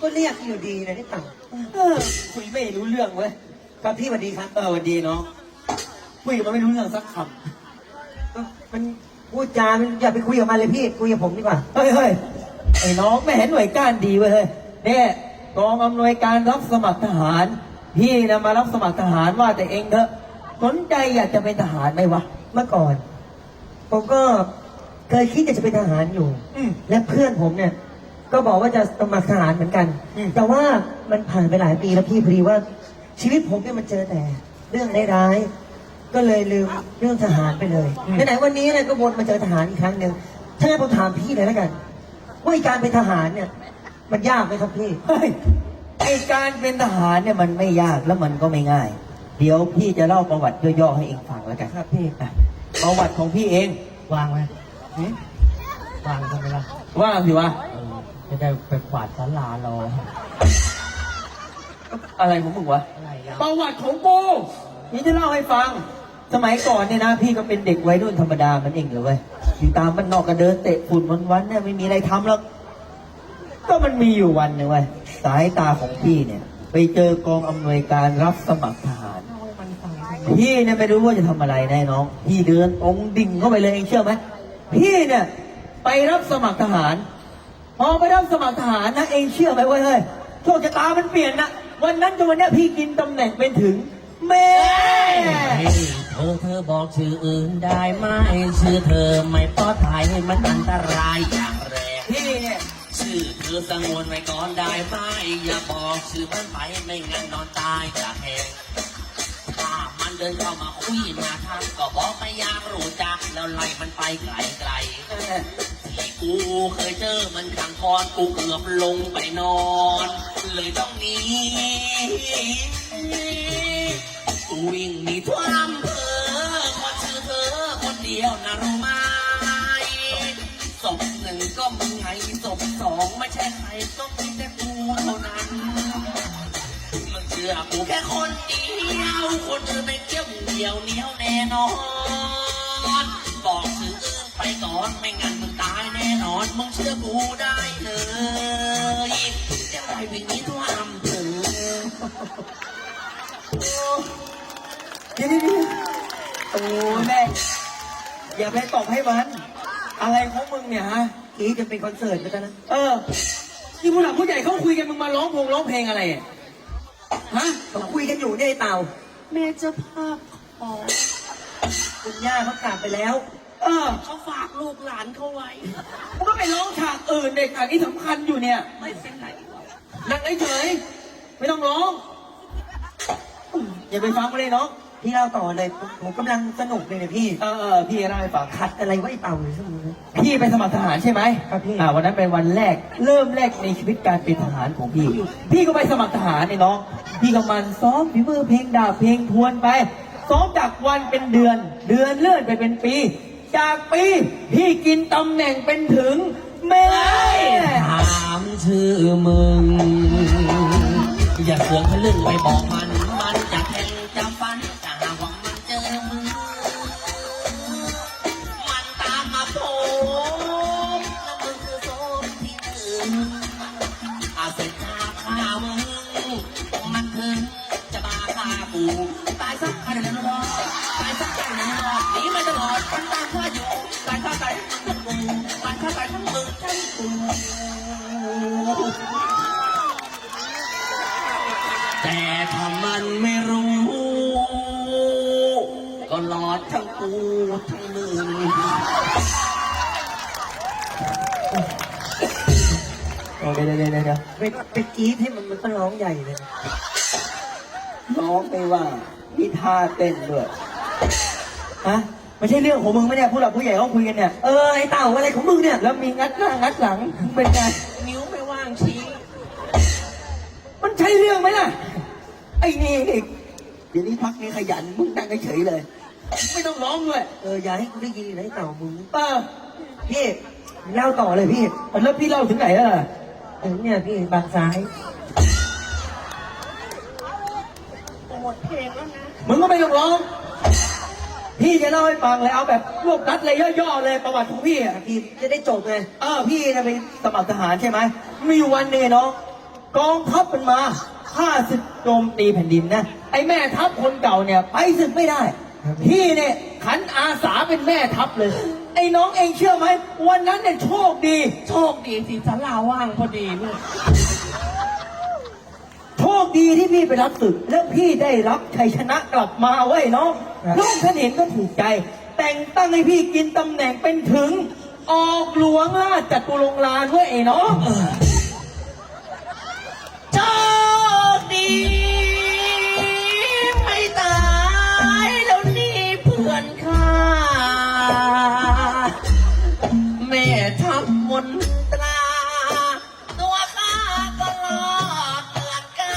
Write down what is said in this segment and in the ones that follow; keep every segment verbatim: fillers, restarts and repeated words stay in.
ก็เรียกอยู่ดีนะนี่เต่าเออคุยไม่รู้เรื่องเว้ยครับพี่สวัสดีครับเออวันดีเนาะคุยกับมันไม่รู้เรื่องสักคเอ้ามันพูดจามันอย่าไปคุยกับมันเลยพี่คุยกับผมดีกว่าำเฮ้ยเฮ้ยไอ้น้องไม่เห็นหน่วยก้านดีเว้ยเฮ้ยเนี่ยกองอำนวยการรับสมัครทหาร พี่นะมารับสมัครทหารว่าแต่เองเถอะสนใจอยากจะเป็นทหารไหมวะเมื่อก่อน ผมก็เคยคิดจะเป็นทหารอยู่อืมและเพื่อนผมเนี่ย ก็บอกว่าจะสมัครทหารเหมือนกันอืมแต่ว่ามันผ่านไปหลายปีแล้วพี่พอดีว่า ชีวิตผมเนี่ยมันเจอแต่ เรื่องร้ายๆก็เลยลืมเรื่องทหารไปเลยไหนๆวันนี้เนี่ยก็วนมาเจอทหารอีกครั้งหนึ่งถ้างั้นผมถามพี่เลยแล้วกันว่าการเป็นทหารเนี่ย มันยากไหมครับพี่เฮ้ยไอการเป็นทหารเนี่ยมันไม่ยากแล้วมันก็ไม่ง่าย เดี๋ยวพี่จะเล่าประวัติย่อๆให้เองฟังแล้วกันครับพี่อ่ะประวัติของพี่เองวางไว้หืมวางทำไมล่ะว่างสิวะจะได้ไปกวาดศาลารออะไรของมึงวะอะไรอ่ะประวัติของกูนี่จะเล่าให้ฟัง สมัยก่อนเนี่ยนะ พี่ก็เป็นเด็กวัยรุ่นธรรมดามันเองเลยเว้ยอยู่ตามบ้านนอกก็เดินเตะฝุ่นวันๆเนี่ยไม่มีอะไรทำแล้วก็มันมีอยู่วันหนึ่งเว้ยสายตาของพี่เนี่ย ไปเจอกองอำนวยการรับสมัครทหาร พี่เนี่ยไม่รู้ว่าจะทำอะไรแน่น้อง พี่เดินองค์ดิ่งเข้าไปเลยเองเชื่อไหมพี่เนี่ยไปรับสมัครทหาร พอไปรับสมัครทหารนะเองเชื่อไหมเว้ยเฮ้ยโชคชะตามันเปลี่ยนนะวันนั้นจนวันเนี้ยพี่กินตำแหน่งเป็นถึงแม่เธอเธอบอกชื่ออื่นได้ไหมชื่อเธอไม่ปลอดภัยมันอันตรายอย่างแรงพี่เนี่ยชื่อเธอสงวนไว้ก่อนได้ไหมอย่าบอกชื่อมันไปไม่งั้นนอนตายจากแหงถ้ามันเดินเข้ามาคุยมาทักก็บอกไม่อยากรู้จักแล้วไล่มันไปไกลไกลๆที่กูเคยเจอมันขังคอนกูเกือบลงไปนอน เลยต้องหนีกูวิ่งหนีทั่วอำเภอคนชื่อเธอคนเดียวนะรู้ไหมศพหนึ่งก็มึงไงศพสองไม่ใช่ใครต้องมีแต่กูเท่านั้นมึงเชื่อกูแค่คนเดียวคนอื่นไม่เกี่ยวเดียวเหนียวแน่นอนบอกชื่ออื่นไปก่อนไม่งั้นมึงตายแน่นอนมึงเชื่อกูได้เลยจะได้วิ่งหนีทั่วอำเภอเดี๋ยวเดี๋ยวเดี๋ยวโอ้แม่อย่าไปตอบให้มันอะไรของมึงเนี่ยฮะอีจะเป็นคอนเสิร์ตไปแล้วนะเออที่ผู้หลักผู้ใหญ่เขาคุยกันมึงมาร้องพงร้องเพลงอะไรอ่ะฮะเขาคุยกันอยู่เนี่ยไอ้เต่าแม่เจ้าภาพขอคุณย่าเขากลับไปแล้วเออเขาฝากลูกหลานเขาไว้มึงก็ไปร้องฉากอื่นเด็กฉากนี้สำคัญอยู่เนี่ยไม่เป็นไรหรอกนั่งเฉยๆไม่ต้องร้องอย่าไปฟังมันเลยน้องพี่เล่าต่อเลยผมผมกำลังสนุกเลยเนี่ยพี่เออเออพี่เล่าให้ฟังขัดอะไรไว้ไอ้เต่าเลยชั่วโมงนี้พี่ไปสมัครทหารใช่ไหมครับพี่อ่าวันนั้นเป็นวันแรก เริ่มแรกในชีวิตการเป็นทหารของพี่ พี่ก็ไปสมัครทหารเนี่ยน้อง พี่ก็มันซ้อมฝีมือเพลงดาบเพลงทวนไป ซ้อมจากวันเป็นเดือน เดือนเลื่อนไปเป็นปี จากปี พี่กินตำแหน่งเป็นถึงแม่ถามชื่อมึง อย่าเสือกทะลึ่งไปบอกมัน มันจะแทงจะฟันจะหาว่ามันเจอมึง มันตามมาโผล่แล้วมึงคือโซนที่หนึ่งอาเสร็จฆ่าฆ่ามึง มันถึงจะมาฆ่ากูตายสักกันแล้วรอดตายสักกันแล้วรอดหนีไม่ตลอดมันตามข้าอยู่ตายข้าตายทั้งมึงมันข้าตายทั้งมึงทั้งกูแต่ถ้ามันไม่รู้ ก็รอดทั้งกูทั้งมึงโอเคเดี๋ยวเดี๋ยวเดี๋ยวไปไปกรี๊ดให้มันมันก็ร้องใหญ่เลยนะร้องไม่ว่ามีท่าเต้นด้วยฮะไม่ใช่เรื่องของมึงไหมเนี่ยผู้หลักผู้ใหญ่เขาคุยกันเนี่ยเออไอ้เต่าอะไรของมึงเนี่ยแล้วมีงัดหน้างัดหลังเป็นไงนิ้วไม่ว่างชี้มันใช่เรื่องไหมล่ะ ไอ้นี่นี่เดี๋ยวนี้พักนี้ขยันมึงนั่งเฉยๆเลย ไม่ต้องร้องด้วยเอออย่าให้กูได้ยินนะไอ้เต่ามึงเออพี่เล่าต่อเลยพี่แล้วพี่เล่าถึงไหนแล้วล่ะเออเนี่ยพี่บางซ้ายหมดเพลงแล้วนะมึงก็ไม่ต้องร้อง พี่จะเล่าให้ฟังเลยเอาแบบรวบรัดเลยย่อๆเลยประวัติของพี่อ่ะพี่จะได้จบไงเออพี่นะไปสมัครทหารใช่ไหมมีอยู่วันหนึ่งเนาะกองทัพมันมาข้าศึกโจมตีแผ่นดินนะไอ้แม่ทัพคนเก่าเนี่ยไปศึกไม่ได้พี่เนี่ยขันอาสาเป็นแม่ทัพเลย ไอ้น้องเองเชื่อไหมวันนั้นเนี่ยโชคดีโชคดีสิศาลาว่างพอดีลูกโชคดีที่พี่ไปรับศึกแล้วพี่ได้รับชัยชนะกลับมาไว้ยน้องน้องท่านเห็นก็ถูกใจ แต่งตั้งให้พี่กินตำแหน่งเป็นถึง ออกหลวงราชจตุรงค์ลานไว้ไอ้น้องโชคดีไม่ตายแล้วนี่เพื่อนข้าแม่ทัพมนตราตัวข้าก็รอดเกินการ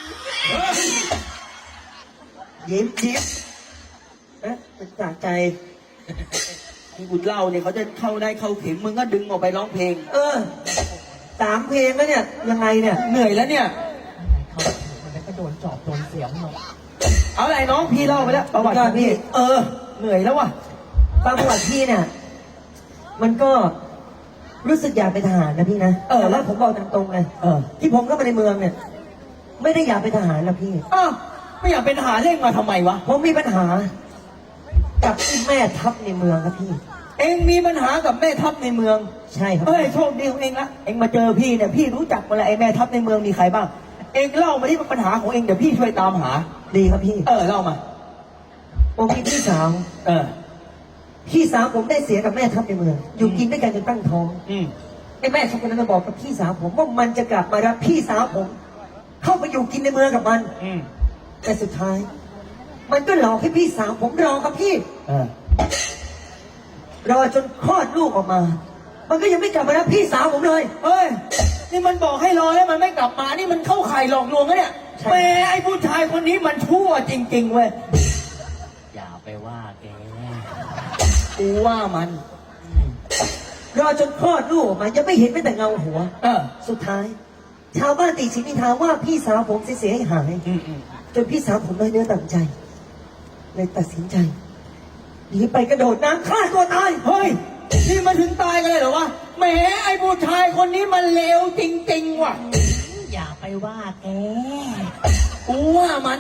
ยิ้มยิ้มเอ๊ะเป็นจากใจที่กูเล่าเนี่ยเขาจะเข้าได้เข้าเข็มมึงก็ดึงออกไปร้องเพลงเออสามเพลงแล้วเนี่ยยังไงเนี่ยเหนื่อยแล้วเนี่ยมันก็โดนจอบโดนเสียงหมดเอาอะไรน้องพี่เล่าไปแล้วประวัติของพี่เออเหนื่อยแล้วว่ะตามประวัติพี่เนี่ย มันก็รู้สึกอยากเป็นทหารนะพี่นะเออแต่ว่าผมบอกตรงๆเลยเออที่ผมเข้ามาในเมืองเนี่ย ไม่ได้อยากเป็นทหารนะพี่อ้าวไม่อยากเป็นทหารเร่งมาทำไมวะผมมีปัญหา กับไอ้แม่ทัพในเมืองครับพี่เองมีปัญหากับแม่ทัพในเมืองใช่ครับเฮ้ยโชคดีของเองละเองมาเจอพี่เนี่ยพี่รู้จักหมดแล้วไอ้แม่ทัพในเมืองมีใครบ้าง เองเล่ามาที่ปัญหาของเองเดี๋ยวพี่ช่วยตามหาดีครับพี่เออเล่ามาผมมีพี่สาวเออพี่สาวผมได้เสียกับแม่ทัพในเมือง อยู่กินด้วยกันจนตั้งท้องอืมไอ้แม่ทัพคนนั้นมาบอกกับพี่สาวผมว่ามันจะกลับมารับพี่สาวผม เข้าไปอยู่กินในเมืองกับมันอืมแต่สุดท้าย มันก็หลอกให้พี่สาวผมรอครับพี่เออรอจนคลอดลูกออกมา มันก็ยังไม่กลับมารับพี่สาวผมเลยเฮ้ยนี่มันบอกให้รอแล้วมันไม่กลับมานี่มันเข้าข่ายหลอกลวงนะเนี่ยใช่แหมไอ้ผู้ชายคนนี้มันชั่วจริงๆเว้ยอย่าไปว่าแกกูว่ามันรอจนคลอดลูกออกมา ยังไม่เห็นแม้แต่เงาหัวเออสุดท้าย ชาวบ้านตีชินิทาว่าพี่สาวผมเสียหายอืมอืมจนพี่สาวผมเลยเนื้อต่ำใจ เลยตัดสินใจหนีไปกระโดดน้ำฆ่าตัวตายเฮ้ยนี่มาถึงตายกันเลยเหรอวะแหมไอ้ผู้ชายคนนี้มันเลวจริงๆว่ะอย่าไปว่าแกกูว่ามัน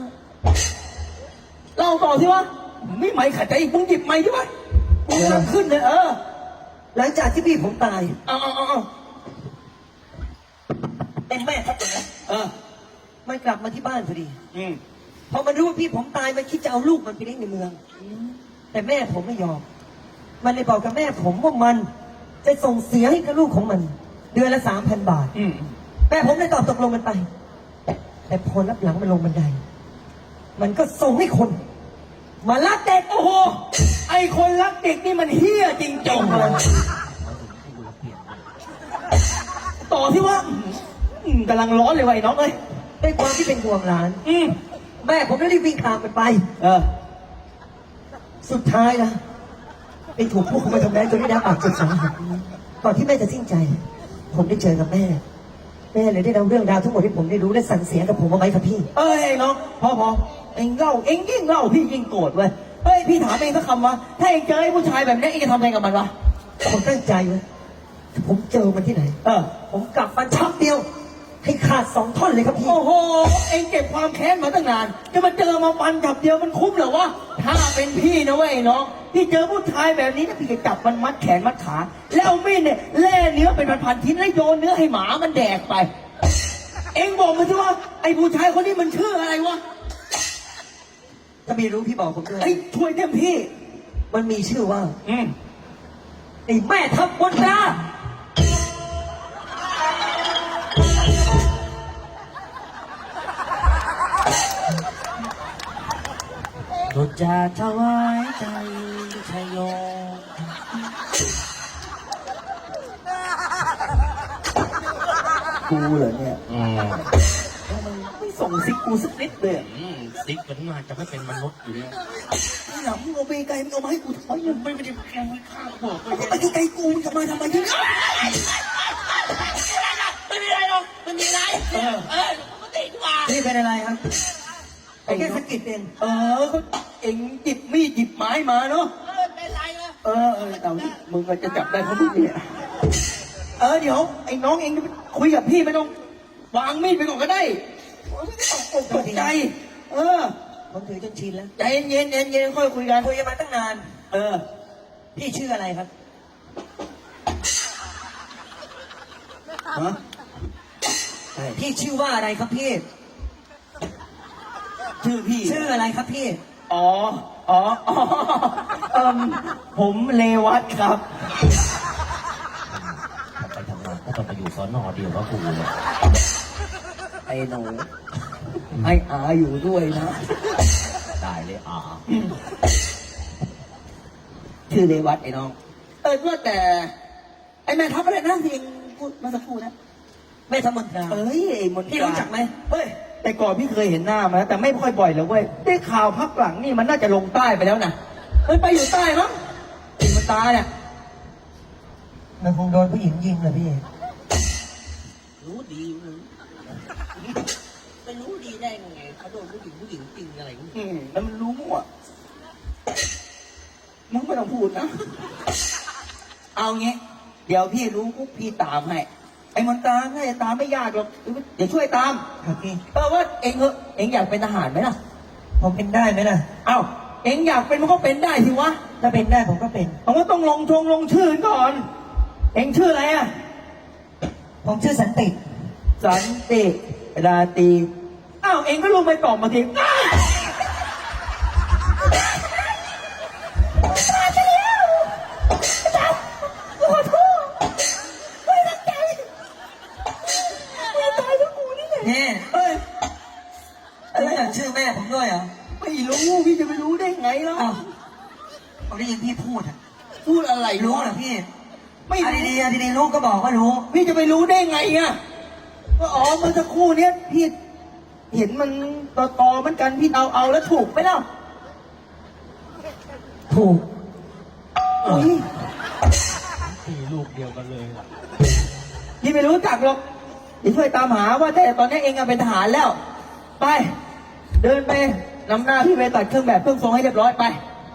เล่าต่อสิวะไม่ไหมขัดใจอีกมึงหยิบไม้ดิวะกูกำลังขึ้นเลยเออหลังจากที่พี่ผมตายเอาเอาเอาเอาเป็นแม่ทัพคนนั้นเออมันกลับมาที่บ้านพอดีอืมพอมันรู้ว่าพี่ผมตายมันคิดจะเอาลูกมันไปเลี้ยงในเมือง แต่แม่ผมไม่ยอม มันเลยบอกกับแม่ผมว่ามันจะส่งเสียให้กับลูกของมัน เดือนละสามพันบาทอืมแม่ผมเลยตอบตกลงมันไป แต่พอรับหลังมันลงบันได มันก็ส่งให้คน มาลักเด็กโอ้โหไอ้คนรักเด็กนี่มันเฮี้ยจริงๆเลยต่อที่ว่าอืมกำลังร้อนเลยว่ะไอ้น้องเอ้ยด้วยความที่เป็นห่วงหลานอืมแม่ผมได้รีบวิ่งตามมันไปเออสุดท้ายนะไปถูกพวกเขามาทำร้ายจนได้รับบาดเจ็บสาหัสก่อนที่แม่จะสิ้นใจ ผมได้เจอกับแม่ แม่เลยได้เล่าเรื่องราวทั้งหมดที่ผมได้รู้และสั่งเสียกับผมเอาไว้ครับพี่เอ้ยไอ้น้องพอพอเอ็งเล่าเอ็งยิ่งเล่าพี่ยิ่งโกรธเว้ยเฮ้ยพี่ถามเองสักคำวะถ้าเอ็งเจอไอ้ผู้ชายแบบนี้เอ็งจะทำอะไรกับมันวะผมตั้งใจไว้ถ้าผมเจอมันที่ไหนเออผมกลับมันชับเดียว ให้ขาดสองท่อนเลยครับพี่โอ้โห เองเก็บความแค้นมาตั้งนาน จะมาเจอมาฟันจับเดียวมันคุ้มเหรอวะ ถ้าเป็นพี่นะเว้ยน้อง พี่เจอผู้ชายแบบนี้นะพี่จะจับมันมัดแขนมัดขา แล้วเอามีดเนี่ยแล่เนื้อเป็นพันๆชิ้นแล้วโยนเนื้อให้หมามันแดกไป เองบอกมาสิว่าไอ้ผู้ชายคนนี้มันชื่ออะไรวะถ้ามีรู้พี่บอกผมด้วยไอ้ช่วยเต็มที่มันมีชื่อว่าอืมไอ้แม่ทัพบนตราเราจะถวายใจชยโยกูเหรอเนี่ยอืมไม่ส่งซิกกูสักนิดเลยอะอืมซิกมันมาจะไม่เป็นมนุษย์อยู่เนี่ยไอ้หลังมึงเอาไปไกลมึงเอามาให้กูทำไมเนี่ยไม่ไม่ได้แกล้งไว้ข้างบอกไปเอาไปไกลๆกูมึงจะมาทำไมเนี่ยไม่มีอะไรหรอกไม่มีอะไรเออเออปกติดีกว่านี่เป็นอะไรครับไอ้แค่สะกิดเองเออเขาเอ็งหยิบมีดหยิบไม้มาเนาะเออเป็นไรเลยเออเออเอานี่มึงก็จะจับได้เพราะมึงเนี่ยเออเดี๋ยวไอ้น้องเองคุยกับพี่ไม่ต้องวางมีดไปก่อนก็ได้โอ้ยไม่ต้องตกอกตกใจ เออผมถือจนชินแล้วใจเย็นๆเย็นเย็นๆค่อยคุยกันคุยกันมาตั้งนานเออพี่ชื่ออะไรครับฮะใช่พี่ชื่อว่าอะไรครับพี่ชื่อพี่ชื่ออะไรครับพี่อ๋อ อ๋ออ๋อเอิ่มผมเลวัตครับไปทำงานก็ต้องไปอยู่สอนอเดียวกับกูเลยไอ้หนูไอ้อาอยู่ด้วยนะได้เลยอ่าชื่อเลวัตไอ้น้อง เออว่าแต่ ไอ้แม่ทัพอะไรนะที่เองพูดมาสักครู่นะแม่ธรรมดาเอ้ยไอ้มนตราพี่รู้จักไหมเฮ้ย แต่ก่อนพี่เคยเห็นหน้ามานะแต่ไม่ค่อยบ่อยเลยเว้ย ได้ข่าวพักหลังนี่มันน่าจะลงใต้ไปแล้วนะเฮ้ยไปอยู่ใต้มั้งไอ้มนตราเนี่ยมันคงโดนผู้หญิงยิงเลยพี่รู้ดีมึงไปรู้ดีได้ไงเขาโดนผู้หญิงผู้หญิงจริงอะไรมึงอืมแล้วมันรู้อ่ะมึงไม่ต้องพูดนะ เอางี้ เดี๋ยวพี่รู้ปุ๊บพี่ตามให้ ไอ้มนตราให้ตามไม่ยากหรอก เดี๋ยวช่วยตามครับพี่เออว่าเองเออเองอยากเป็นทหารไหมล่ะผมเป็นได้ไหมล่ะเอ้า เองอยากเป็นมันก็เป็นได้สิวะถ้าเป็นได้ผมก็เป็นผมก็ต้องลงชงลงชื่อก่อน เองชื่ออะไรอ่ะผมชื่อสันติสันติราตรีอ้าว เองก็ลงไปตอบมาทีอ้าวเนี่ยเฮ้ยอะไรอ่ะชื่อแม่ผมด้วยเหรอไม่รู้พี่จะไปรู้ได้ไงล่ะอ้าวผมได้ยินพี่พูดอ่ะพูดอะไรรู้วะเหรอพี่ไม่อะรู้ดีๆอะดีๆรู้ก็บอกว่ารู้พี่จะไปรู้ได้ไงอ่ะก็อ๋อเมื่อสักครู่เนี้ยพี่เห็นมันตอตอๆเหมือนกันพี่เอาเอาแล้วถูกไหมล่ะถูกอุ้ยตีลูกเดียวกันเลยล่ะพี่ไม่รู้จักหรอกเดี๋ยวช่วยตามหาว่าแต่ตอนนี้เองอะเป็นทหารแล้ว ไป เดินไปนำหน้าพี่ไปตัดเครื่องแบบเครื่องทรงให้เรียบร้อยไป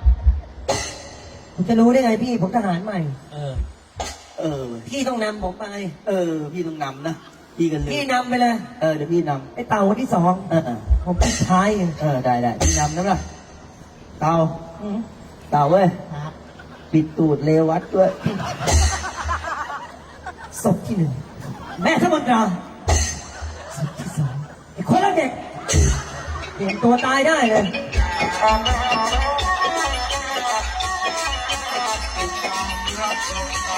ผมจะรู้ได้ไงพี่ ผมทหารใหม่เออเออพี่ต้องนำผมไปเออ พี่ต้องนำนะพี่กันเลยพี่นำไปเลยเออเดี๋ยวพี่นไอ้เต่าคนที่สองำเออเออผมปิดท้ายเลยเออได้ได้พี่นำนะล่ะเต่าอืมเต่าเว้ยปิดตูดเลวัดด้วยศพที่หนึ่งแม่ธรรมดาศพที่สองไอ้คนละเด็กเปลี่ยนตัวตายได้เลยรับ